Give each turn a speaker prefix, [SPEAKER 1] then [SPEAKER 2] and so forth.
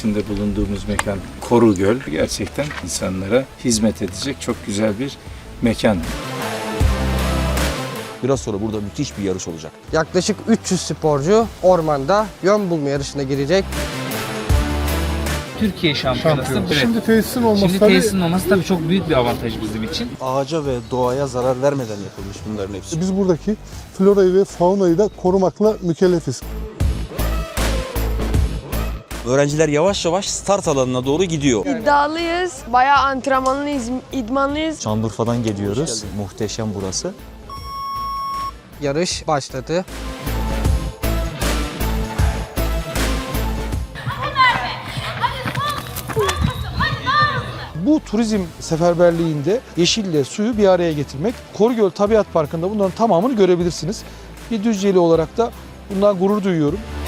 [SPEAKER 1] içinde bulunduğumuz mekan Korugöl. Gerçekten insanlara hizmet edecek çok güzel bir mekan.
[SPEAKER 2] Biraz sonra burada müthiş bir yarış olacak.
[SPEAKER 3] Yaklaşık 300 sporcu ormanda yön bulma yarışına girecek.
[SPEAKER 4] Türkiye şampiyonası. Evet.
[SPEAKER 5] Şimdi tesisin olması
[SPEAKER 4] Şimdi tesisin olması tabii çok büyük bir avantaj bizim için.
[SPEAKER 2] Ağaca ve doğaya zarar vermeden yapılmış bunların hepsi.
[SPEAKER 5] biz buradaki florayı ve faunayı da korumakla mükellefiz.
[SPEAKER 2] Öğrenciler yavaş yavaş start alanına doğru gidiyor.
[SPEAKER 6] İddialıyız, bayağı antrenmanlıyız, idmanlıyız.
[SPEAKER 7] Şanlıurfa'dan geliyoruz. Muhteşem burası.
[SPEAKER 3] Yarış başladı.
[SPEAKER 8] Bu turizm seferberliğinde yeşille suyu bir araya getirmek. Korugöl Tabiat Parkı'nda bunların tamamını görebilirsiniz. Bir Düzceli olarak da bundan gurur duyuyorum.